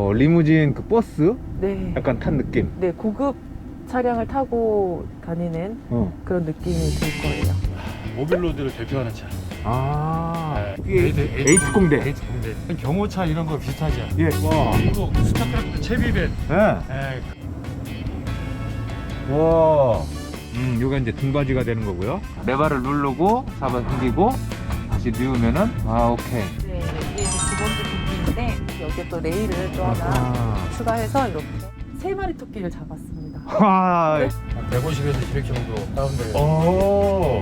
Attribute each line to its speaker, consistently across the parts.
Speaker 1: 리무진 그 버스?
Speaker 2: 네.
Speaker 1: 약간 탄 느낌.
Speaker 2: 네, 고급 차량을 타고 다니는 그런 느낌이 들 거예요.
Speaker 3: 모빌로드를 대표하는 차.
Speaker 1: 에이트 공대.
Speaker 3: 에이트 공대. 경호차 이런 거 비슷하죠.
Speaker 1: 예. 와.
Speaker 3: 미국 스타크래프트 채비밴.
Speaker 1: 예. 와. 요게 이제 등받이가 되는 거고요. 레바를 누르고 잡아 당기고 다시 누우면은 오케이.
Speaker 2: 네, 이게 이제 두 번째 토끼인데 여기에 또 레일을 또 하나 추가해서 이렇게 3마리 토끼를 잡았습니다.
Speaker 1: 와.
Speaker 2: 네.
Speaker 3: 150에서 200 정도 다운돼요.
Speaker 1: 오.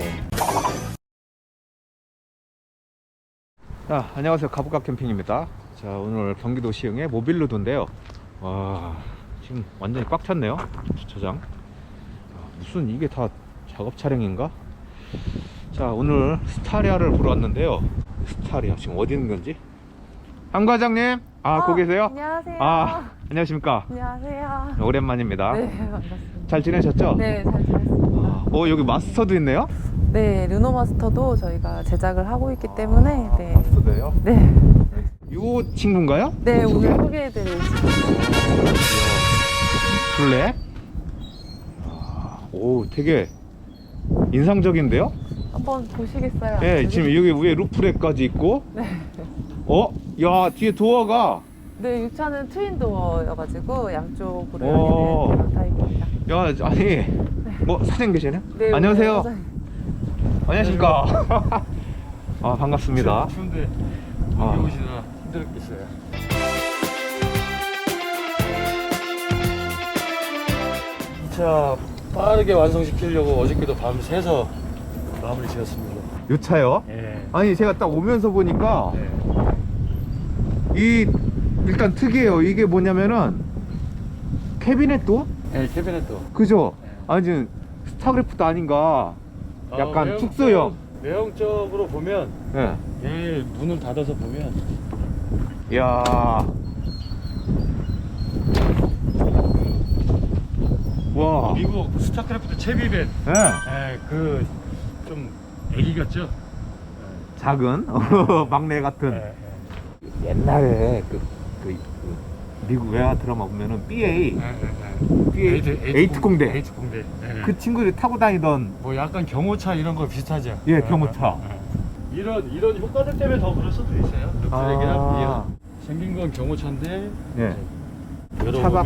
Speaker 1: 자, 안녕하세요. 가부각 캠핑입니다. 자, 오늘 경기도 시흥의 모빌로드인데요. 와, 지금 완전히 꽉 찼네요. 주차장. 무슨 이게 다 작업 차량인가? 자, 오늘 스타리아를 보러 왔는데요. 스타리아 지금 어디 있는 건지? 한 과장님, 거기 계세요?
Speaker 2: 안녕하세요.
Speaker 1: 안녕하십니까?
Speaker 2: 안녕하세요.
Speaker 1: 오랜만입니다.
Speaker 2: 네, 반갑습니다.
Speaker 1: 잘 지내셨죠?
Speaker 2: 네, 잘 지냈습니다.
Speaker 1: 여기 마스터도 있네요?
Speaker 2: 네, 르노 마스터도 저희가 제작을 하고 있기 때문에 네.
Speaker 1: 마스터도요?
Speaker 2: 네.
Speaker 1: 요 친구인가요?
Speaker 2: 네, 오늘 소개해드릴
Speaker 1: 블랙? 오, 되게 인상적인데요?
Speaker 2: 한번 보시겠어요?
Speaker 1: 네, 지금 여기 위에 루프렉까지 있고.
Speaker 2: 네.
Speaker 1: 야, 뒤에 도어가.
Speaker 2: 네, 이 차는 트윈 도어여가지고 양쪽으로
Speaker 1: 오.
Speaker 2: 열리는 그런 타입입니다.
Speaker 1: 야, 아니, 사장님 계시네요?
Speaker 2: 네,
Speaker 1: 안녕하세요.
Speaker 2: 오늘
Speaker 1: 안녕하십니까. 반갑습니다.
Speaker 3: 추운데 여기 오시느라 힘들었겠어요. 이 차 빠르게 완성시키려고 어저께도 밤새서 마무리 지었습니다.
Speaker 1: 요 차요?
Speaker 3: 예.
Speaker 1: 아니, 제가 딱 오면서 보니까
Speaker 3: 네.
Speaker 1: 일단 특이해요. 이게 뭐냐면은 캐비넷도?
Speaker 3: 네, 캐비넷도.
Speaker 1: 그죠?
Speaker 3: 네.
Speaker 1: 아니, 지금 스타크래프트 아닌가. 약간
Speaker 3: 외형적-
Speaker 1: 축소형.
Speaker 3: 외형적으로 보면
Speaker 1: 네.
Speaker 3: 얘 문을 닫아서 보면
Speaker 1: 이야. 와.
Speaker 3: 미국 스타크래프트 채비밴.
Speaker 1: 네.
Speaker 3: 좀 애기 같죠?
Speaker 1: 작은 막내 같은.
Speaker 3: 네.
Speaker 1: 옛날에 그 미국 외화 드라마 보면은 BA 에이트 공대.
Speaker 3: 에이트 공대. 네.
Speaker 1: 그 친구들이 타고 다니던.
Speaker 3: 뭐 약간 경호차 이런 거 비슷하죠?
Speaker 1: 예, 경호차.
Speaker 3: 이런 효과들 때문에 더 그럴 수도 있어요. 루프렉이랑
Speaker 1: 아.
Speaker 3: 생긴 건 경호차인데
Speaker 1: 예.
Speaker 3: 열어보면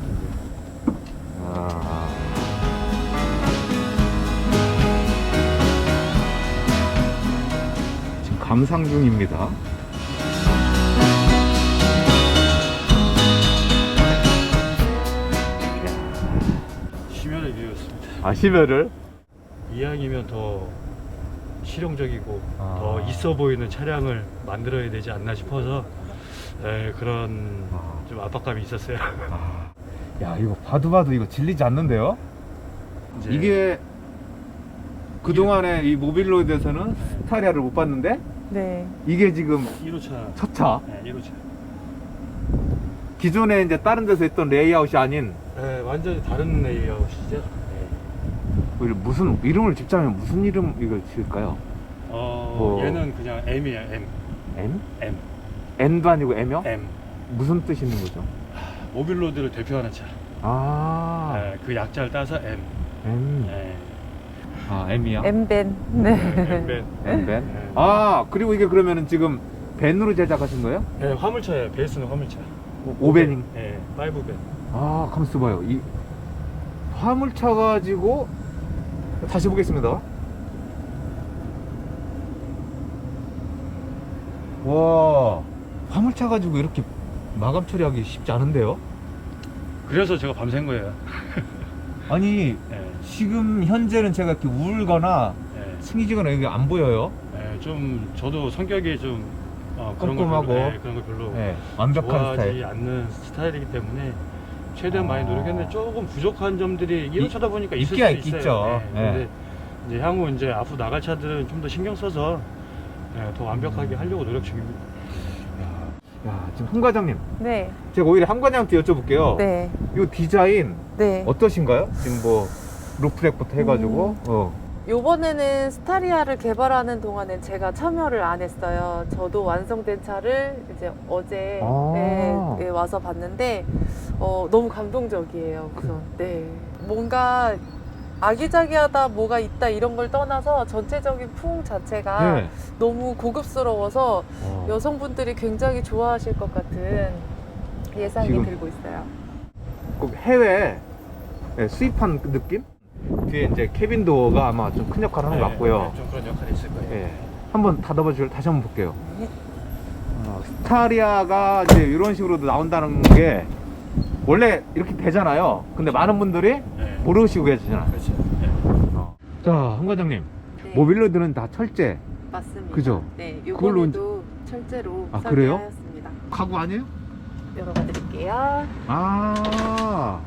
Speaker 1: 지금 감상 중입니다.
Speaker 3: 심혈의 기회였습니다.
Speaker 1: 심혈을?
Speaker 3: 이왕이면 더 실용적이고
Speaker 1: 아.
Speaker 3: 더 있어 보이는 차량을 만들어야 되지 않나 싶어서 그런 좀 압박감이 있었어요.
Speaker 1: 야, 이거 봐도 이거 질리지 않는데요?
Speaker 3: 이제
Speaker 1: 이게 그동안에 이 모빌로드에서는 스타리아를 못 봤는데
Speaker 2: 네.
Speaker 1: 이게 지금
Speaker 3: 1호차.
Speaker 1: 첫 차.
Speaker 3: 네, 1호차.
Speaker 1: 기존에 이제 다른 데서 했던 레이아웃이 아닌.
Speaker 3: 네, 완전히 다른 레이아웃이죠. 네.
Speaker 1: 무슨 이름을 짓자면 무슨 이름 이걸 지을까요?
Speaker 3: 얘는 그냥 M이에요. M.
Speaker 1: M?
Speaker 3: M.
Speaker 1: N도 아니고 M이요?
Speaker 3: M.
Speaker 1: 무슨 뜻 있는 거죠?
Speaker 3: 모빌로드를 대표하는 차. 그 약자를 따서 M.
Speaker 1: M.
Speaker 3: 네.
Speaker 1: M이야?
Speaker 2: M밴. 네.
Speaker 3: M밴.
Speaker 1: M밴?
Speaker 3: 네.
Speaker 1: 그리고 이게 그러면은 지금 밴으로 제작하신 거예요?
Speaker 3: 네, 화물차예요. 베이스는 화물차.
Speaker 1: 5밴?
Speaker 3: 네, 5밴.
Speaker 1: 가만 있어봐요. 이 화물차 가지고 다시 보겠습니다. 와, 화물차 가지고 이렇게 마감 처리하기 쉽지 않은데요?
Speaker 3: 그래서 제가 밤샌 거예요.
Speaker 1: 아니,
Speaker 3: 네.
Speaker 1: 지금 현재는 제가 이렇게 울거나
Speaker 3: 네.
Speaker 1: 승희지거나 여기 안 보여요.
Speaker 3: 좀 저도 성격이 좀 그런 거
Speaker 1: 꼼꼼하고.
Speaker 3: 별로, 그런 거 별로
Speaker 1: 완벽한
Speaker 3: 좋아하지
Speaker 1: 스타일.
Speaker 3: 않는 스타일이기 때문에 최대한 많이 노력했는데 조금 부족한 점들이 1호차다 보니까 있을
Speaker 1: 있기야
Speaker 3: 수도 있어요.
Speaker 1: 있죠.
Speaker 3: 근데 이제 향후 이제 앞으로 나갈 차들은 좀 더 신경 써서 더 완벽하게 하려고 노력 중입니다.
Speaker 1: 야, 지금 한 과장님,
Speaker 2: 네.
Speaker 1: 제가 오히려 한 과장한테 여쭤볼게요.
Speaker 2: 네.
Speaker 1: 이 디자인
Speaker 2: 네.
Speaker 1: 어떠신가요? 지금 뭐 루프렉부터 해가지고
Speaker 2: 요번에는 스타리아를 개발하는 동안엔 제가 참여를 안 했어요. 저도 완성된 차를 이제 어제 와서 봤는데 너무 감동적이에요. 우선 네, 뭔가 아기자기하다 뭐가 있다 이런 걸 떠나서 전체적인 풍 자체가
Speaker 1: 네.
Speaker 2: 너무 고급스러워서 여성분들이 굉장히 좋아하실 것 같은 예상이
Speaker 1: 지금
Speaker 2: 들고 있어요.
Speaker 1: 꼭 해외 수입한 그 느낌? 뒤에 이제 캐빈 도어가 아마 좀 큰 역할을 하는 것 같고요.
Speaker 3: 좀 그런 역할이 있을 거예요.
Speaker 1: 예. 한번 닫아봐 줄 다시 한번 볼게요.
Speaker 2: 네.
Speaker 1: 스타리아가 이제 이런 식으로 나온다는 게 원래 이렇게 되잖아요. 근데 많은 분들이
Speaker 3: 네.
Speaker 1: 모르시고 계시잖아요.
Speaker 3: 그렇죠. 네.
Speaker 1: 자, 황 과장님,
Speaker 2: 네,
Speaker 1: 모빌로드는 다 철제
Speaker 2: 맞습니다.
Speaker 1: 그죠?
Speaker 2: 네,
Speaker 1: 그걸로
Speaker 2: 요번에도 철제로
Speaker 1: 아, 그래요?
Speaker 2: 설계하였습니다.
Speaker 1: 가구 아니에요?
Speaker 2: 열어봐 드릴게요.
Speaker 1: 아,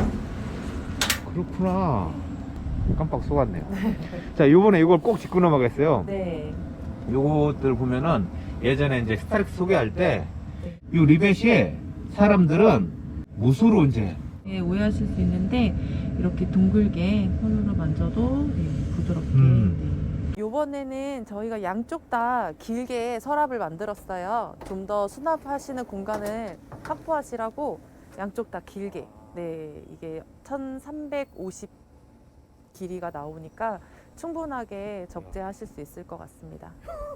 Speaker 1: 그렇구나. 깜빡 속았네요. 자, 요번에 이걸 꼭 짚고 넘어가겠어요.
Speaker 2: 네.
Speaker 1: 요것들 보면은 예전에 이제 스타렉스 소개할 때
Speaker 2: 네.
Speaker 1: 이 리벳이 사람들은 무수로 이제
Speaker 2: 네, 오해하실 수 있는데 이렇게 둥글게 손으로 만져도 부드럽게. 요번에는 저희가 양쪽 다 길게 서랍을 만들었어요. 좀 더 수납하시는 공간을 확보하시라고 양쪽 다 길게. 네, 이게 1350 길이가 나오니까 충분하게 적재하실 수 있을 것 같습니다.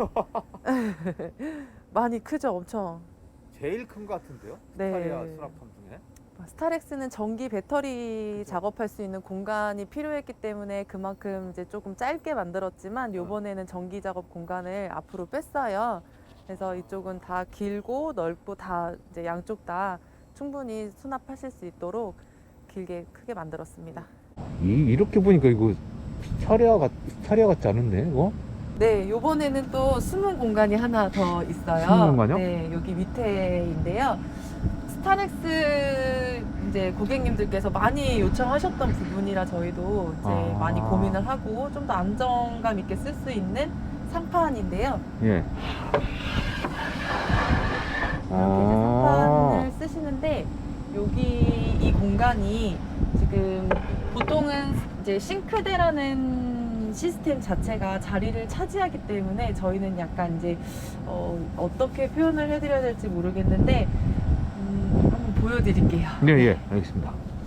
Speaker 2: 많이 크죠, 엄청.
Speaker 1: 제일 큰 것 같은데요?
Speaker 2: 네.
Speaker 1: 스타리아 수납함 중에.
Speaker 2: 스타렉스는 전기 배터리 작업할 수 있는 공간이 필요했기 때문에 그만큼 이제 조금 짧게 만들었지만 요번에는 전기 작업 공간을 앞으로 뺐어요. 그래서 이쪽은 다 길고 넓고 다 이제 양쪽 다 충분히 수납하실 수 있도록 길게 크게 만들었습니다.
Speaker 1: 이렇게 보니까 이거 스타리아 같지 않은데 이거?
Speaker 2: 네, 요번에는 또 숨은 공간이 하나 더 있어요.
Speaker 1: 숨은 공간이요?
Speaker 2: 네, 여기 밑에인데요. 스타렉스 이제 고객님들께서 많이 요청하셨던 부분이라 저희도 이제 많이 고민을 하고 좀 더 안정감 있게 쓸 수 있는 상판인데요.
Speaker 1: 예.
Speaker 2: 이렇게 이제 상판을 쓰시는데 여기 이 공간이 지금 보통은 이제 싱크대라는 시스템 자체가 자리를 차지하기 때문에 저희는 약간 이제 어떻게 표현을 해드려야 될지 모르겠는데 한번 보여드릴게요.
Speaker 1: 네, 예, 알겠습니다.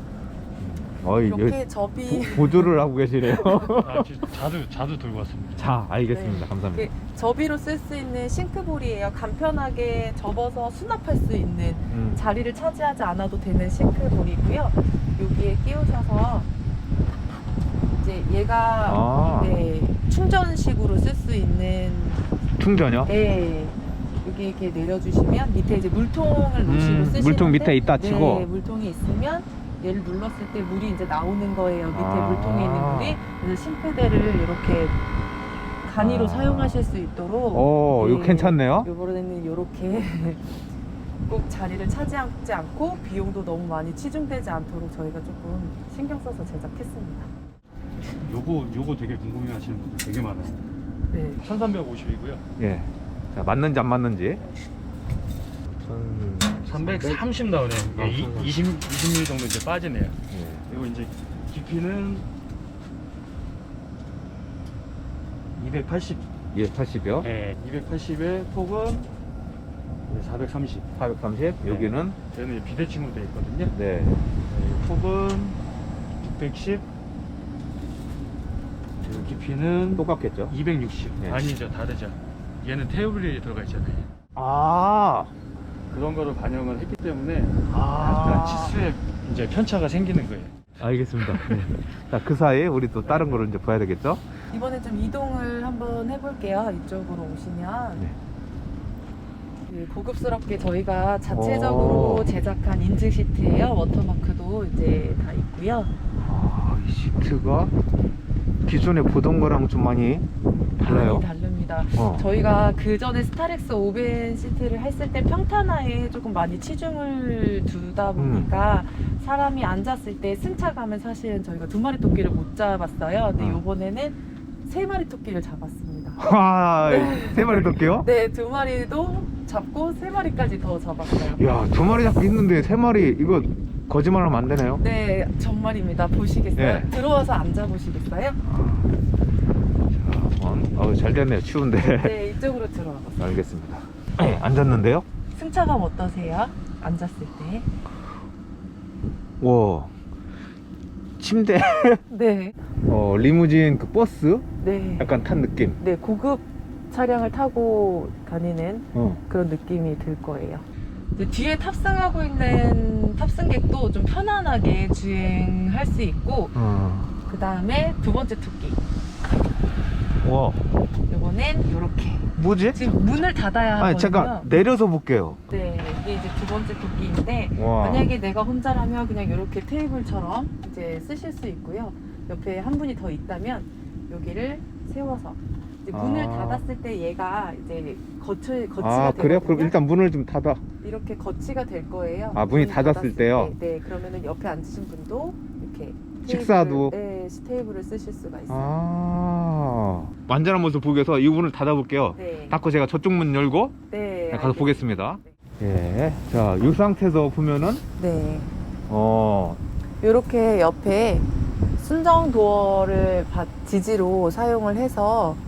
Speaker 2: 이렇게 접이
Speaker 1: 보조를 하고 계시네요.
Speaker 3: 아, 자두 들고 왔습니다.
Speaker 1: 자, 알겠습니다.
Speaker 2: 네.
Speaker 1: 감사합니다.
Speaker 2: 이게 접이로 쓸 수 있는 싱크볼이에요. 간편하게 접어서 수납할 수 있는 자리를 차지하지 않아도 되는 싱크볼이고요. 여기에 끼우셔서 이제 얘가 네, 충전식으로 쓸 수 있는
Speaker 1: 충전이요?
Speaker 2: 네. 여기 이렇게 내려주시면 밑에 이제 물통을 놓으시고 쓰시는데
Speaker 1: 물통 밑에 있다 치고.
Speaker 2: 네, 물통이 있으면 얘를 눌렀을 때 물이 이제 나오는 거예요. 밑에
Speaker 1: 아.
Speaker 2: 물통에 있는 물이. 그래서 싱크대를 이렇게 간이로 사용하실 수 있도록.
Speaker 1: 이거 괜찮네요.
Speaker 2: 요번에는 이렇게 꼭 자리를 차지하지 않고 비용도 너무 많이 치중되지 않도록 저희가 조금 신경 써서 제작했습니다.
Speaker 3: 요거 되게 궁금해하시는 분들 되게 많아요.
Speaker 2: 네.
Speaker 3: 1350이고요.
Speaker 1: 예. 자, 맞는지 안 맞는지.
Speaker 3: 330 나오네요.
Speaker 1: 아,
Speaker 3: 20mm 정도 이제 빠지네요.
Speaker 1: 예.
Speaker 3: 그리고 이제 깊이는 280.
Speaker 1: 예, 80이요.
Speaker 3: 네, 280에 폭은 430.
Speaker 1: 430.
Speaker 3: 네.
Speaker 1: 여기는
Speaker 3: 저는 비대칭으로 되어 있거든요.
Speaker 1: 네.
Speaker 3: 네, 폭은 610. 그리고 깊이는
Speaker 1: 똑같겠죠.
Speaker 3: 260.
Speaker 1: 네.
Speaker 3: 아니죠, 다르죠. 얘는 테이블이 들어가 있잖아요.
Speaker 1: 아.
Speaker 3: 그런 거를 반영을 했기 때문에
Speaker 1: 아.
Speaker 3: 약간 치수에 이제 편차가 생기는 거예요.
Speaker 1: 알겠습니다. 네. 자, 그 사이에 우리 또 다른 거를 이제 봐야 되겠죠?
Speaker 2: 이번에 좀 이동을 한번 해볼게요. 이쪽으로 오시면.
Speaker 1: 네.
Speaker 2: 그 고급스럽게 저희가 자체적으로 제작한 인증 시트예요. 워터마크도 이제 다 있고요.
Speaker 1: 이 시트가 기존에 보던 거랑 좀 많이 달라요.
Speaker 2: 많이 다릅니다.
Speaker 1: 어.
Speaker 2: 저희가 그 전에 스타렉스 오벤 시트를 했을 때 평탄화에 조금 많이 치중을 두다 보니까 사람이 앉았을 때 승차감은 사실은 저희가 2마리 토끼를 못 잡았어요. 근데 이번에는 3마리 토끼를 잡았습니다.
Speaker 1: 아, 3마리 덮게요?
Speaker 2: 네, 2마리도 잡고 3마리까지 더 잡았어요.
Speaker 1: 야, 2마리 잡고 있는데 3마리 이거 거짓말하면 안 되네요.
Speaker 2: 네, 정말입니다. 보시겠어요?
Speaker 1: 네.
Speaker 2: 들어와서 앉아보시겠어요?
Speaker 1: 자, 한번. 잘 됐네요. 추운데.
Speaker 2: 네, 이쪽으로 들어와 보세요.
Speaker 1: 알겠습니다. 앉았는데요?
Speaker 2: 승차감 어떠세요? 앉았을 때?
Speaker 1: 와, 침대.
Speaker 2: 네.
Speaker 1: 리무진 그 버스
Speaker 2: 네.
Speaker 1: 약간 탄 느낌.
Speaker 2: 네, 고급 차량을 타고 다니는
Speaker 1: 어.
Speaker 2: 그런 느낌이 들 거예요. 이제 뒤에 탑승하고 있는 탑승객도 좀 편안하게 주행할 수 있고, 그 다음에 두 번째 토끼.
Speaker 1: 와,
Speaker 2: 이거는 이렇게.
Speaker 1: 뭐지?
Speaker 2: 지금 문을 닫아야 하거든요.
Speaker 1: 아니, 잠깐 내려서 볼게요.
Speaker 2: 네, 이게 이제 두 번째 토끼인데,
Speaker 1: 와.
Speaker 2: 만약에 내가 혼자라면 그냥 이렇게 테이블처럼 이제 쓰실 수 있고요. 옆에 한 분이 더 있다면 여기를 세워서 이제 문을
Speaker 1: 아.
Speaker 2: 닫았을 때 얘가 이제 거치가
Speaker 1: 아, 그래요?
Speaker 2: 되거든요.
Speaker 1: 그럼 일단 문을 좀 닫아.
Speaker 2: 이렇게 거치가 될 거예요.
Speaker 1: 아, 문이
Speaker 2: 문이
Speaker 1: 닫았을 때요?
Speaker 2: 때. 네, 그러면은 옆에 앉으신 분도 이렇게
Speaker 1: 식사도?
Speaker 2: 네, 테이블을 쓰실 수가 있어요.
Speaker 1: 완전한 모습 보기 위해서 이 문을 닫아볼게요.
Speaker 2: 네,
Speaker 1: 닫고 제가 저쪽 문 열고
Speaker 2: 네,
Speaker 1: 가서 보겠습니다.
Speaker 2: 네.
Speaker 1: 예. 자, 이 상태에서 보면은,
Speaker 2: 네,
Speaker 1: 어,
Speaker 2: 이렇게 옆에 순정 도어를 지지로 사용을 해서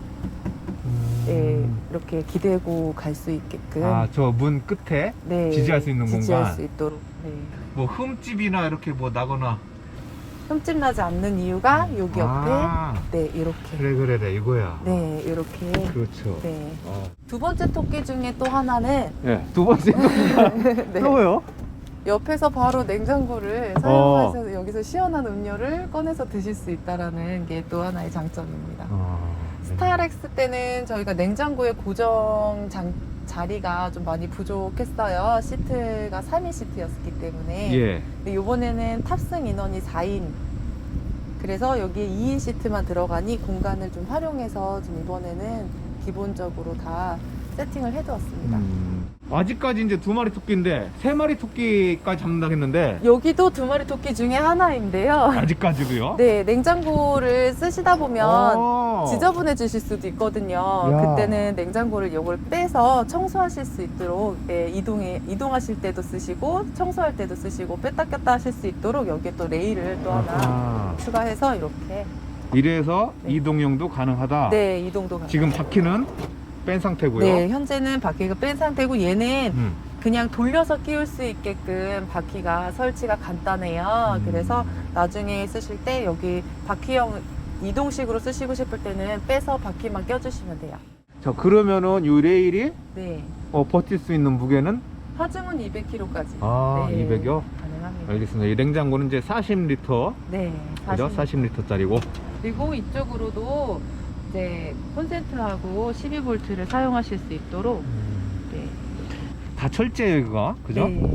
Speaker 2: 예, 이렇게 기대고 갈 수 있게끔
Speaker 1: 저 문 끝에
Speaker 2: 네,
Speaker 1: 지지할 수 있는
Speaker 2: 지지할
Speaker 1: 공간.
Speaker 2: 수 있도록. 네.
Speaker 1: 뭐 흠집이나 이렇게 뭐 나거나.
Speaker 2: 흠집 나지 않는 이유가 여기 옆에 네, 이렇게
Speaker 1: 그래, 이거야.
Speaker 2: 네, 이렇게
Speaker 1: 그렇죠.
Speaker 2: 네.
Speaker 1: 어.
Speaker 2: 두 번째 토끼 중에 또 하나는
Speaker 1: 네, 두 번째
Speaker 2: 네,
Speaker 1: 또요?
Speaker 2: 옆에서 바로 냉장고를 사용하셔서 여기서 시원한 음료를 꺼내서 드실 수 있다라는 게 또 하나의 장점입니다. 스타렉스 때는 저희가 냉장고의 고정 자리가 좀 많이 부족했어요. 시트가 3인 시트였기 때문에.
Speaker 1: 예.
Speaker 2: 근데 이번에는 탑승 인원이 4인. 그래서 여기에 2인 시트만 들어가니 공간을 좀 활용해서 좀 이번에는 기본적으로 다 세팅을 해두었습니다.
Speaker 1: 아직까지 이제 두 마리 토끼인데 세 마리 토끼까지 잡는다고 했는데
Speaker 2: 여기도 두 마리 토끼 중에 하나인데요.
Speaker 1: 아직까지도요?
Speaker 2: 네, 냉장고를 쓰시다 보면
Speaker 1: 어.
Speaker 2: 지저분해지실 수도 있거든요.
Speaker 1: 야.
Speaker 2: 그때는 냉장고를 요걸 빼서 청소하실 수 있도록 네, 이동하실 때도 쓰시고 청소할 때도 쓰시고 뺐다 꼈다 하실 수 있도록 여기에 또 레일을 또 하나
Speaker 1: 아하.
Speaker 2: 추가해서 이렇게
Speaker 1: 이래서
Speaker 2: 네.
Speaker 1: 이동용도 가능하다.
Speaker 2: 네, 이동도 가능해요.
Speaker 1: 지금 바퀴는 뺀 상태고요.
Speaker 2: 네, 현재는 바퀴가 뺀 상태고 얘는
Speaker 1: 음.
Speaker 2: 그냥 돌려서 끼울 수 있게끔 바퀴가 설치가 간단해요. 그래서 나중에 쓰실 때 여기 바퀴형 이동식으로 쓰시고 싶을 때는 빼서 바퀴만 껴주시면 돼요.
Speaker 1: 자, 그러면은 이 레일이
Speaker 2: 네.
Speaker 1: 버틸 수 있는 무게는
Speaker 2: 하중은 200kg까지.
Speaker 1: 아,
Speaker 2: 네,
Speaker 1: 200여?
Speaker 2: 가능합니다.
Speaker 1: 알겠습니다. 이 냉장고는 이제 40리터,
Speaker 2: 네.
Speaker 1: 그죠? 40리터짜리고.
Speaker 2: 그리고 이쪽으로도 이제 콘센트하고 12V를 사용하실 수 있도록 네.
Speaker 1: 다 철제예요, 이거. 그죠?
Speaker 2: 네.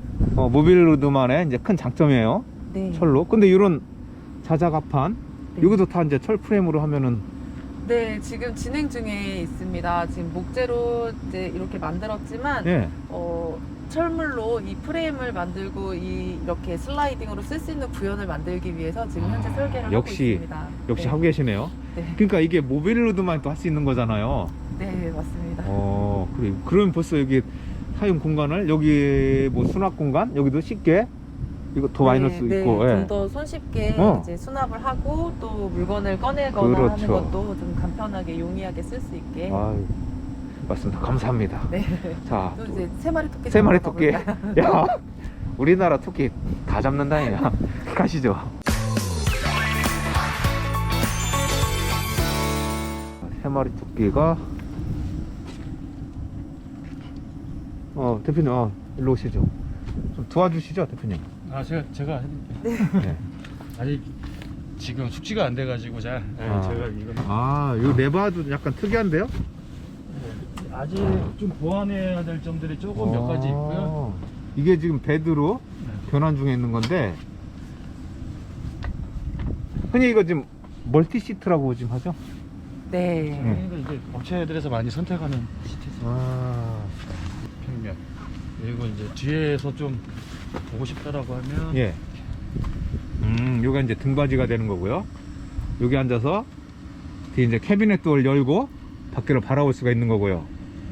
Speaker 1: 모빌로드만의 이제 큰 장점이에요.
Speaker 2: 네.
Speaker 1: 철로. 근데 이런 자작합판,
Speaker 2: 네.
Speaker 1: 여기도 다 이제 철 프레임으로 하면은
Speaker 2: 네, 지금 진행 중에 있습니다. 지금 목재로 이제 이렇게 만들었지만
Speaker 1: 예.
Speaker 2: 철물로 이 프레임을 만들고 이렇게 슬라이딩으로 쓸 수 있는 구현을 만들기 위해서 지금 현재 설계를
Speaker 1: 역시,
Speaker 2: 하고 있습니다.
Speaker 1: 역시
Speaker 2: 네.
Speaker 1: 하고 계시네요.
Speaker 2: 네.
Speaker 1: 그러니까 이게 모빌로드만 또 할 수 있는 거잖아요.
Speaker 2: 네, 맞습니다.
Speaker 1: 그래. 그러면 벌써 여기 사용 공간을 여기 뭐 수납 공간 여기도 쉽게 이거 더 많이 넣을 수 있고. 예.
Speaker 2: 좀 더 손쉽게 이제 수납을 하고 또 물건을 꺼내거나
Speaker 1: 그렇죠.
Speaker 2: 하는 것도 좀 간편하게 용이하게 쓸 수 있게.
Speaker 1: 아유, 맞습니다. 감사합니다.
Speaker 2: 네.
Speaker 1: 자,
Speaker 2: 또 이제 세 마리 토끼.
Speaker 1: 세 마리
Speaker 2: 잡으러
Speaker 1: 토끼.
Speaker 2: 가볼까요?
Speaker 1: 야, 우리나라 토끼 다 잡는다니야. 가시죠. 세 마리 토끼가 대표님 일로 오시죠. 좀 도와주시죠, 대표님.
Speaker 3: 아, 제가 했는데.
Speaker 1: 네.
Speaker 3: 아직 지금 숙지가 안 돼가지고 제가 이거
Speaker 1: 요 레바도 약간 특이한데요?
Speaker 3: 아직 좀 보완해야 될 점들이 조금 몇 가지 있고요.
Speaker 1: 이게 지금 베드로 변환 중에 있는 건데, 흔히 이거 지금 멀티 시트라고 지금 하죠?
Speaker 2: 네.
Speaker 3: 그러니까 이제 업체들에서 많이 선택하는 시트죠. 평면. 그리고 이제 뒤에서 좀 보고 싶다라고 하면
Speaker 1: 예. 요게 이제 등받이가 되는 거고요. 여기 앉아서 뒤에 이제 캐비넷 도어를 열고 밖으로 바라볼 수가 있는 거고요.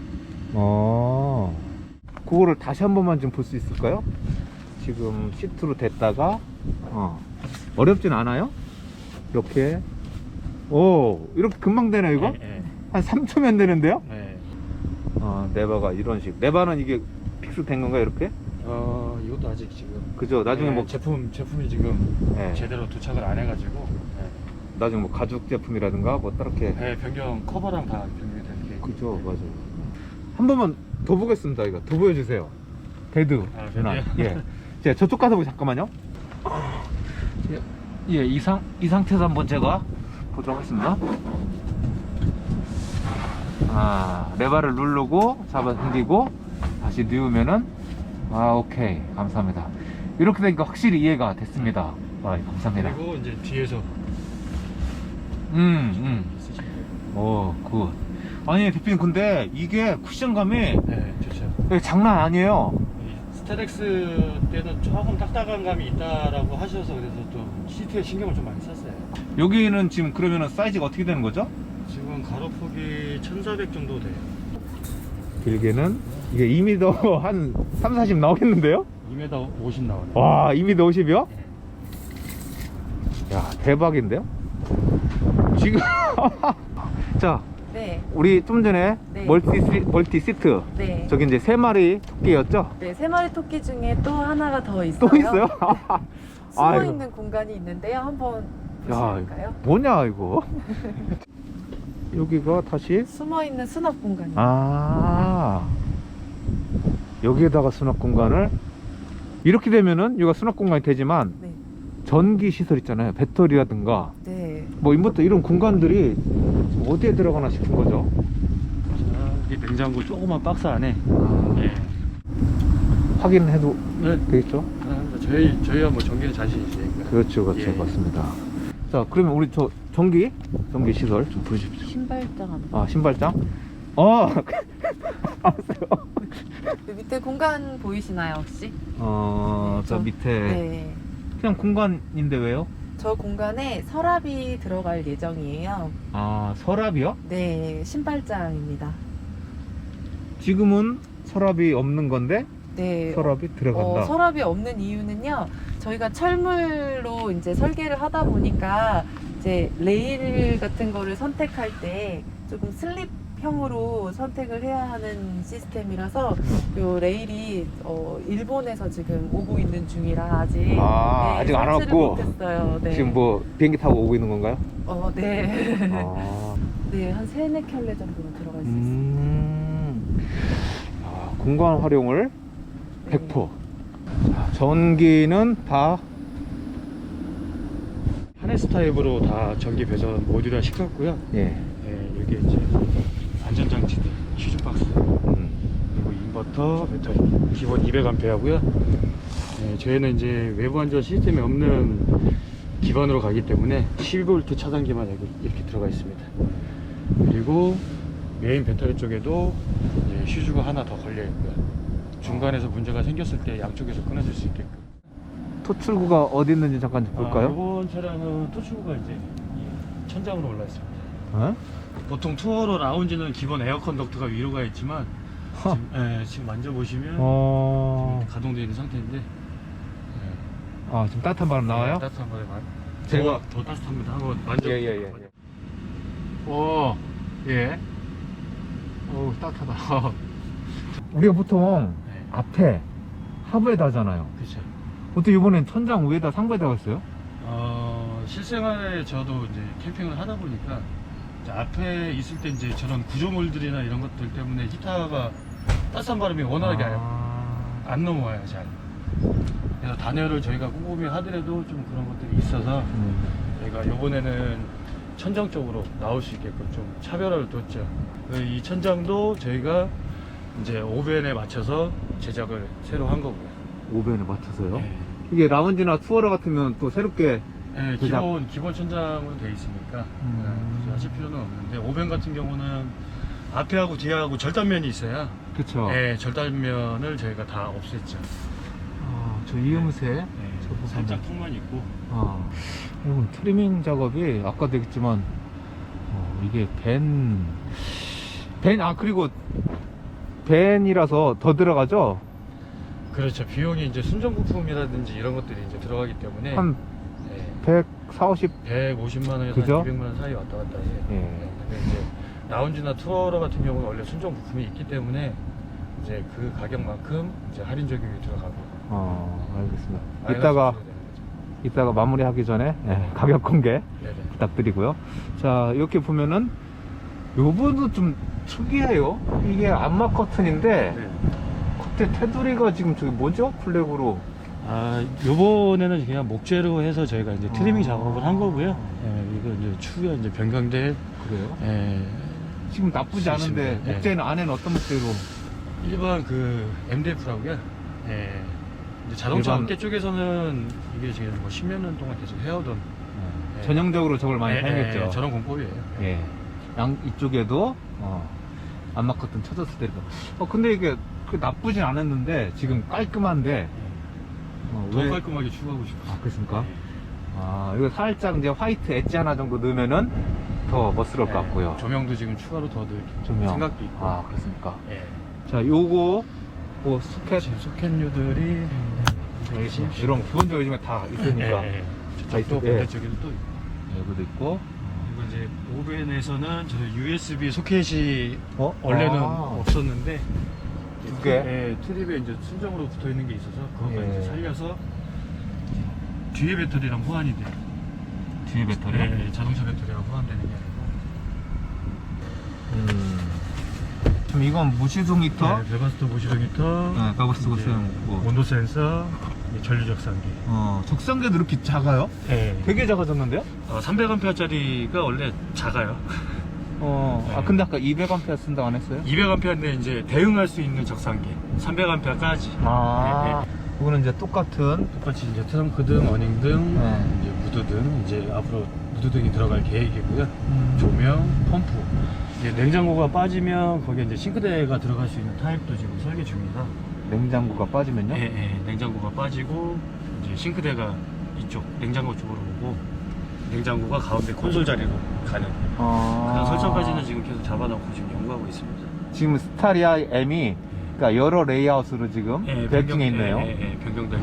Speaker 1: 그거를 다시 한 번만 좀 볼 수 있을까요? 지금 시트로 됐다가 어렵진 않아요. 이렇게 오, 이렇게 금방 되네 이거?
Speaker 3: 예,
Speaker 1: 한 3초면 되는데요?
Speaker 3: 예.
Speaker 1: 레바가 이런 식. 레바는 이게 픽스된 건가요, 이렇게?
Speaker 3: 이것도 아직 지금
Speaker 1: 그죠? 나중에
Speaker 3: 예,
Speaker 1: 뭐
Speaker 3: 제품이 지금
Speaker 1: 예.
Speaker 3: 제대로 도착을 안 해가지고
Speaker 1: 나중에 뭐 가죽 제품이라든가 뭐 따렇게.
Speaker 3: 예, 변경 커버랑 다 변경이 될 게.
Speaker 1: 그죠, 맞아요. 한 번만 더 보겠습니다. 이거 더 보여주세요. 배드.
Speaker 3: 배드요?
Speaker 1: 예. 제가 저쪽 가서 보기 잠깐만요. 예, 이 상태에서 한번 제가 보도록 하겠습니다. 레바를 누르고 잡아 당기고 다시 누우면은 오케이, 감사합니다. 이렇게 되니까 확실히 이해가 됐습니다. 감사합니다.
Speaker 3: 그리고 이제 뒤에서 있으시면
Speaker 1: 오, 굿. 아니 대표님, 근데 이게 쿠션감이
Speaker 3: 네, 좋죠.
Speaker 1: 장난 아니에요.
Speaker 3: 이 스테렉스 때는 조금 딱딱한 감이 있다라고 하셔서 그래서 좀 시트에 신경을 좀 많이 썼어요.
Speaker 1: 여기는 지금 그러면은 사이즈가 어떻게 되는 거죠?
Speaker 3: 지금 가로폭이 1400 정도 돼요.
Speaker 1: 길게는 이게 2m 한 3, 40 나오겠는데요?
Speaker 3: 2m 50 나와요.
Speaker 1: 와, 2m 50이요? 야, 대박인데요? 지금 자,
Speaker 2: 네.
Speaker 1: 우리 좀 전에
Speaker 2: 네.
Speaker 1: 멀티 시트
Speaker 2: 네.
Speaker 1: 저기 이제 3마리 토끼였죠?
Speaker 2: 네, 3마리 토끼 중에 또 하나가 더 있어요.
Speaker 1: 또 있어요?
Speaker 2: 숨어
Speaker 1: 아이고.
Speaker 2: 있는 공간이 있는데요. 한번
Speaker 1: 야,
Speaker 2: 보실까요?
Speaker 1: 뭐냐 이거? 여기가 다시
Speaker 2: 숨어 있는 수납 공간이.
Speaker 1: 여기에다가 수납 공간을 이렇게 되면은 여기가 수납 공간이 되지만
Speaker 2: 네.
Speaker 1: 전기 시설 있잖아요. 배터리라든가
Speaker 2: 네.
Speaker 1: 뭐 인버터 이런 공간들이 지금 어디에 들어가나 싶은 거죠.
Speaker 3: 이 냉장고 조그만 박스 안에 예.
Speaker 1: 확인해도
Speaker 3: 네.
Speaker 1: 되겠죠?
Speaker 3: 저희야 뭐 전기는 자신 있으니까.
Speaker 1: 그렇죠,
Speaker 3: 예.
Speaker 1: 맞습니다. 자, 그러면 우리 저 전기 시설 좀 보여주십시오.
Speaker 2: 신발장 한번.
Speaker 1: 신발장. 알았어요.
Speaker 2: 그 밑에 공간 보이시나요 혹시?
Speaker 1: 저
Speaker 2: 저-
Speaker 1: 밑에
Speaker 2: 네.
Speaker 1: 그냥 공간인데 왜요?
Speaker 2: 저 공간에 서랍이 들어갈 예정이에요.
Speaker 1: 서랍이요?
Speaker 2: 네, 신발장입니다.
Speaker 1: 지금은 서랍이 없는 건데
Speaker 2: 네.
Speaker 1: 서랍이 들어간다.
Speaker 2: 서랍이 없는 이유는요. 저희가 철물로 이제 설계를 하다 보니까 이제 레일 같은 거를 선택할 때 조금 슬립형으로 선택을 해야 하는 시스템이라서 요 레일이 일본에서 지금 오고 있는 중이라 아직
Speaker 1: 아직 안
Speaker 2: 설치를
Speaker 1: 왔고
Speaker 2: 못했어요. 네.
Speaker 1: 지금 뭐 비행기 타고 오고 있는 건가요?
Speaker 2: 네.
Speaker 1: 아,
Speaker 2: 네, 한 3-4켤레 정도는 들어갈 수 있습니다.
Speaker 1: 공간 활용을 100%. 전기는 다
Speaker 3: 하네스 타입으로 다 전기 배선 모듈화 시켰고요.
Speaker 1: 예.
Speaker 3: 예, 여기 이제 안전장치들, 휴즈 박스, 그리고 인버터, 배터리 기본 200A고요. 예, 저희는 이제 외부 안전 시스템이 없는 기반으로 가기 때문에 12V 차단기만 여기 이렇게 들어가 있습니다. 그리고 메인 배터리 쪽에도 이제 휴즈가 하나 더 걸려 있고요. 중간에서 문제가 생겼을 때 양쪽에서 끊어질 수 있게끔.
Speaker 1: 토출구가 어디 있는지 잠깐 좀 볼까요?
Speaker 3: 이번 차량은 토출구가 이제 이 천장으로 올라 있습니다.
Speaker 1: 어?
Speaker 3: 보통 투어로 라운지는 기본 에어컨 덕트가 위로 가 있지만 지금 만져보시면 지금 가동되어 있는 상태인데
Speaker 1: 지금 따뜻한 바람 나와요?
Speaker 3: 따뜻한 바람에
Speaker 1: 제가-
Speaker 3: 더 따뜻합니다. 한번 만져보세요.
Speaker 1: 예. 예.
Speaker 3: 따뜻하다.
Speaker 1: 우리가 보통
Speaker 3: 네.
Speaker 1: 앞에 하부에다 하잖아요.
Speaker 3: 그렇죠.
Speaker 1: 어떻게 이번엔 천장 위에다 상부에다 했어요?
Speaker 3: 실생활에 저도 이제 캠핑을 하다 보니까 이제 앞에 있을 때 이제 저런 구조물들이나 이런 것들 때문에 히터가 따뜻한 바람이 원활하게 안 넘어와요, 잘. 그래서 단열을 저희가 꼼꼼히 하더라도 좀 그런 것들이 있어서 저희가 이번에는 천장 쪽으로 나올 수 있게끔 좀 차별화를 뒀죠. 이 천장도 저희가 이제 오벤에 맞춰서 제작을 새로 한 거고요.
Speaker 1: 오벤에 맞춰서요?
Speaker 3: 네.
Speaker 1: 이게 라운지나 투어러 같으면 또 새롭게
Speaker 3: 네,
Speaker 1: 제작.
Speaker 3: 기본 천장으로 돼 있으니까 굳이 하실 필요는 없는데 오벤 같은 경우는 앞에하고 뒤에하고 절단면이 있어야
Speaker 1: 그쵸?
Speaker 3: 네, 절단면을 저희가 다 없앴죠.
Speaker 1: 저 이음새
Speaker 3: 네,
Speaker 1: 저 부분은.
Speaker 3: 살짝 턱만 있고
Speaker 1: 이건 트리밍 작업이 아까도 얘기했지만 이게 그리고 벤이라서 더 들어가죠?
Speaker 3: 그렇죠. 비용이 이제 순정 부품이라든지 이런 것들이 이제 들어가기 때문에
Speaker 1: 한
Speaker 3: 네,
Speaker 1: 100 40.
Speaker 3: 150만 원에서
Speaker 1: 그죠?
Speaker 3: 200만 원 사이 왔다 갔다 해요.
Speaker 1: 예.
Speaker 3: 근데 이제 라운지나 투어러 같은 경우는 원래 순정 부품이 있기 때문에 이제 그 가격만큼 이제 할인 적용이 들어가고.
Speaker 1: 알겠습니다.
Speaker 3: 마이너스
Speaker 1: 이따가
Speaker 3: 되는 거죠.
Speaker 1: 이따가 마무리하기 전에 가격 공개
Speaker 3: 네네.
Speaker 1: 부탁드리고요. 자, 이렇게 보면은 요번도 좀 특이해요. 이게 암막 커튼인데
Speaker 3: 네.
Speaker 1: 겉에 테두리가 지금 저기 뭐죠? 플렉으로.
Speaker 3: 아, 요번에는 그냥 목재로 해서 저희가 이제 트리밍
Speaker 1: 아.
Speaker 3: 작업을 한 거고요. 예, 이거 이제 추후에 이제 변경될,
Speaker 1: 그래요?
Speaker 3: 예,
Speaker 1: 지금 나쁘지 않은데
Speaker 3: 있습니다.
Speaker 1: 목재는 안에는 어떤 목재로?
Speaker 3: 일반 그 MDF라고요. 예. 이제 자동차
Speaker 1: 일반-
Speaker 3: 업계 쪽에서는 이게 지금 뭐 10몇 년 동안 계속 해오던 예.
Speaker 1: 전형적으로 저걸 많이
Speaker 3: 예,
Speaker 1: 사용했죠.
Speaker 3: 예, 저런 공법이에요.
Speaker 1: 예. 양 이쪽에도 암막 커튼 쳐졌을 때도. 근데 이게 그 나쁘진 않았는데 지금 깔끔한데.
Speaker 3: 더
Speaker 1: 왜?
Speaker 3: 깔끔하게 추구하고 싶어요.
Speaker 1: 아, 그렇습니까?
Speaker 3: 예.
Speaker 1: 이거 살짝 이제 화이트 엣지 하나 정도 넣으면은 더 멋스러울 것
Speaker 3: 예.
Speaker 1: 같고요.
Speaker 3: 조명도 지금 추가로 더 넣을
Speaker 1: 조명.
Speaker 3: 생각도 있고.
Speaker 1: 아, 그렇습니까?
Speaker 3: 예.
Speaker 1: 자, 요거 뭐 소켓
Speaker 3: 지금 소켓류들이
Speaker 1: 이런 기본적으로 요즘에 다 있으니까.
Speaker 3: 예, 예.
Speaker 1: 다
Speaker 3: 또
Speaker 1: 있- 예.
Speaker 3: 반대쪽에도 또 있고.
Speaker 1: 여기도 있고.
Speaker 3: 그리고 이제 오벤에서는 저 USB 소켓이
Speaker 1: 어?
Speaker 3: 원래는
Speaker 1: 아.
Speaker 3: 없었는데
Speaker 1: 두 개?
Speaker 3: 예, 트립에 이제 순정으로 붙어 있는 게 있어서 그거
Speaker 1: 예.
Speaker 3: 이제 살려서 뒤에 배터리랑 호환이 돼요.
Speaker 1: 뒤에 배터리.
Speaker 3: 예, 자동차 배터리랑 호환되는 게
Speaker 1: 지금 이건 무시동 히터.
Speaker 3: 아니고. 네, 베바스터 모시동히터,
Speaker 1: 네, 베바스터 모시동이고.
Speaker 3: 온도 센서, 이제 전류 적산기.
Speaker 1: 적상계도 이렇게 작아요?
Speaker 3: 예.
Speaker 1: 되게 작아졌는데요?
Speaker 3: 300A짜리가 원래 작아요.
Speaker 1: 근데 아까 200A 쓴다고 안 했어요?
Speaker 3: 200A인데 이제 대응할 수 있는 적산기. 300A까지.
Speaker 1: 이거는 이제 똑같은.
Speaker 3: 똑같이 이제 트렁크 등, 어닝 등,
Speaker 1: 네.
Speaker 3: 이제 무드 등, 이제 앞으로 무드 등이 들어갈 계획이고요. 조명, 펌프. 이제 냉장고가 빠지면 거기에 이제 싱크대가 들어갈 수 있는 타입도 지금 설계 중이라.
Speaker 1: 냉장고가 빠지면요?
Speaker 3: 냉장고가 빠지고 이제 싱크대가 이쪽 냉장고 쪽으로 오고 냉장고가 가운데 콘솔 자리로 가는. 그런 설정까지는 지금 계속 잡아놓고 지금 연구하고 있습니다.
Speaker 1: 지금 스타리아 M이 그러니까 여러 레이아웃으로 지금 계획 중에 있네요.
Speaker 3: 변경될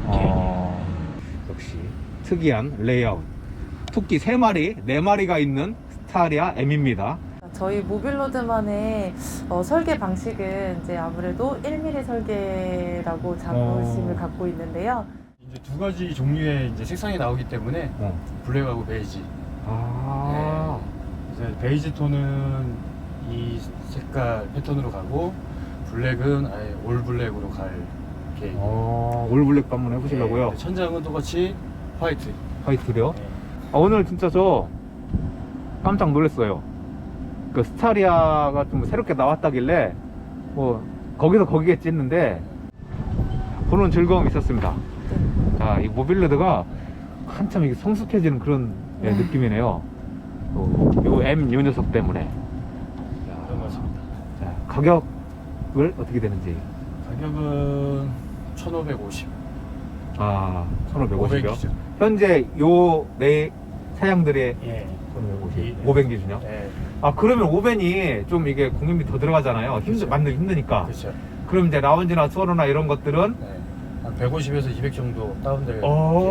Speaker 1: 역시 특이한 레이아웃. 토끼 3마리, 4마리가 있는 스타리아 M입니다.
Speaker 2: 저희 모빌로드만의 설계 방식은 이제 아무래도 1mm 설계라고 자부심을 갖고 있는데요.
Speaker 3: 이제 두 가지 종류의 이제 색상이 나오기 때문에 블랙하고 베이지. 이제 베이지 톤은 이 색깔 패턴으로 가고 블랙은 아예 올 블랙으로 갈 계획.
Speaker 1: 올 블랙도 한번 해보시려고요.
Speaker 3: 천장은 똑같이 화이트.
Speaker 1: 화이트요? 오늘 진짜 저 깜짝 놀랐어요. 그 스타리아가 좀 새롭게 나왔다길래 뭐 거기서 거기겠지 했는데 보는 즐거움이 있었습니다. 자, 이 모빌로드가 한참 이게 성숙해지는 그런 느낌이네요. 요 M 요 녀석 때문에.
Speaker 3: 그런 것 같습니다.
Speaker 1: 자, 가격을 어떻게 되는지.
Speaker 3: 가격은 1,550.
Speaker 1: 1,550이요?
Speaker 3: 기준.
Speaker 1: 현재 요 네 사양들의
Speaker 3: 예.
Speaker 1: 1,550. 500 기준이요?
Speaker 3: 예.
Speaker 1: 그러면 5벤이 좀 이게 공임비 더 들어가잖아요.
Speaker 3: 그렇죠.
Speaker 1: 만들기 힘드니까.
Speaker 3: 그렇죠.
Speaker 1: 그럼 이제 라운지나 투어로나 이런 것들은
Speaker 3: 네. 한 150에서 200 정도 다운될.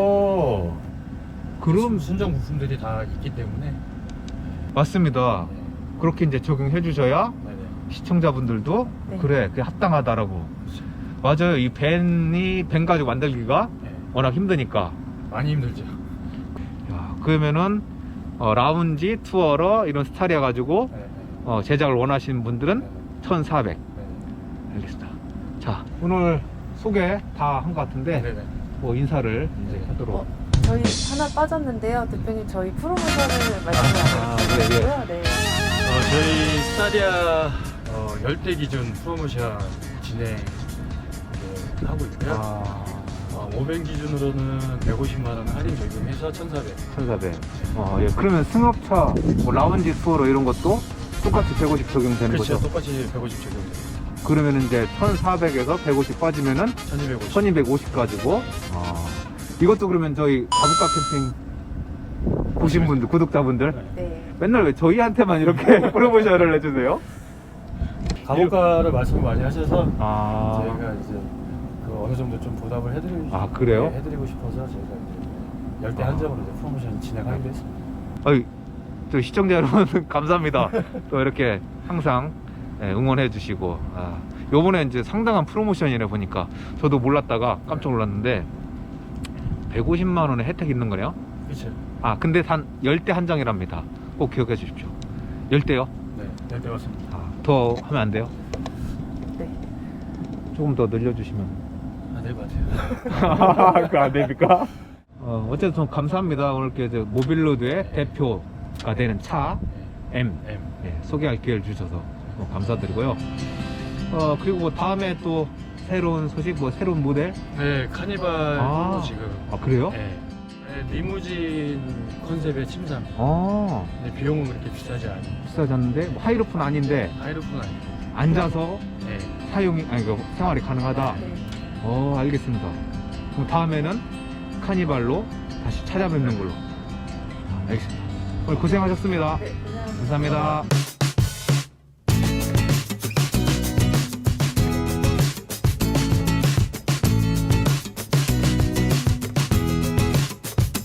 Speaker 1: 그럼
Speaker 3: 순정 부품들이 다 있기 때문에.
Speaker 1: 맞습니다.
Speaker 3: 네.
Speaker 1: 그렇게 이제 적용해 주셔야
Speaker 3: 네네.
Speaker 1: 시청자분들도
Speaker 2: 네.
Speaker 1: 그래, 그게 합당하다라고. 맞아요. 이 벤 가지고 만들기가
Speaker 3: 네.
Speaker 1: 워낙 힘드니까.
Speaker 3: 많이 힘들죠.
Speaker 1: 야, 그러면은 라운지, 투어러 이런 스타리아 가지고
Speaker 3: 네.
Speaker 1: 제작을 원하시는 분들은 1,400.
Speaker 3: 네.
Speaker 1: 알겠습니다. 자, 오늘 소개 다 한 것 같은데
Speaker 3: 네네.
Speaker 1: 뭐 인사를 이제 하도록.
Speaker 2: 저희 하나 빠졌는데요. 대표님 저희 프로모션을 말씀 안 해주셨고요. 네.
Speaker 3: 저희 스타리아 열대 기준 프로모션 진행 하고 있고요. 500 기준으로는 150만 원 할인 적용해서 1,400.
Speaker 1: 1,400. 예. 그러면 승합차, 뭐 라운지 투어러 이런 것도 똑같이 150 적용되는
Speaker 3: 그렇죠.
Speaker 1: 거죠?
Speaker 3: 똑같이 150 적용됩니다.
Speaker 1: 그러면 이제 1,400에서 150 빠지면은
Speaker 3: 1,250.
Speaker 1: 1,250 가지고. 이것도 그러면 저희 가부카 캠핑 보신 분들, 구독자분들
Speaker 2: 네.
Speaker 1: 맨날 왜 저희한테만 이렇게 프로모션을 해주세요?
Speaker 3: 가격가를 말씀을 많이 하셔서
Speaker 1: 아.
Speaker 3: 저희가 이제 그 어느 정도 좀 보답을 해드리고
Speaker 1: 그래요?
Speaker 3: 해드리고 싶어서 저희가 이제 열대 한정으로 이제 프로모션 진행하기로 했습니다.
Speaker 1: 어이, 또 시청자 여러분 감사합니다. 또 이렇게 항상 응원해 주시고, 요번에 이제 상당한 프로모션이래 보니까 저도 몰랐다가 깜짝 놀랐는데 150만 원의 혜택이 있는 거네요.
Speaker 3: 그렇죠.
Speaker 1: 근데 단 열대 한정이랍니다. 꼭 기억해 주십시오. 열대요?
Speaker 3: 네, 열대 맞습니다.
Speaker 1: 더 하면 안 돼요?
Speaker 2: 네.
Speaker 1: 조금 더 늘려주시면.
Speaker 3: 될 것 같아요.
Speaker 1: 그거 안 됩니까? 어쨌든 감사합니다. 오늘 이렇게 모빌로드의 대표가 되는 차 M 소개할 기회를 주셔서 감사드리고요. 그리고 다음에 또 새로운 소식, 새로운 모델?
Speaker 3: 네, 카니발도 지금.
Speaker 1: 그래요?
Speaker 3: 네. 리무진 컨셉의 침상. 근데 비용은 그렇게 비싸지 않아요.
Speaker 1: 비싸지 않는데 하이루프는 아닌데
Speaker 3: 하이루프는 아니고.
Speaker 1: 앉아서
Speaker 3: 네.
Speaker 1: 생활이 가능하다.
Speaker 2: 네.
Speaker 1: 알겠습니다. 그럼 다음에는 카니발로 다시 찾아뵙는 걸로. 알겠습니다. 오늘 고생하셨습니다.
Speaker 2: 네, 고생하셨습니다.
Speaker 1: 감사합니다.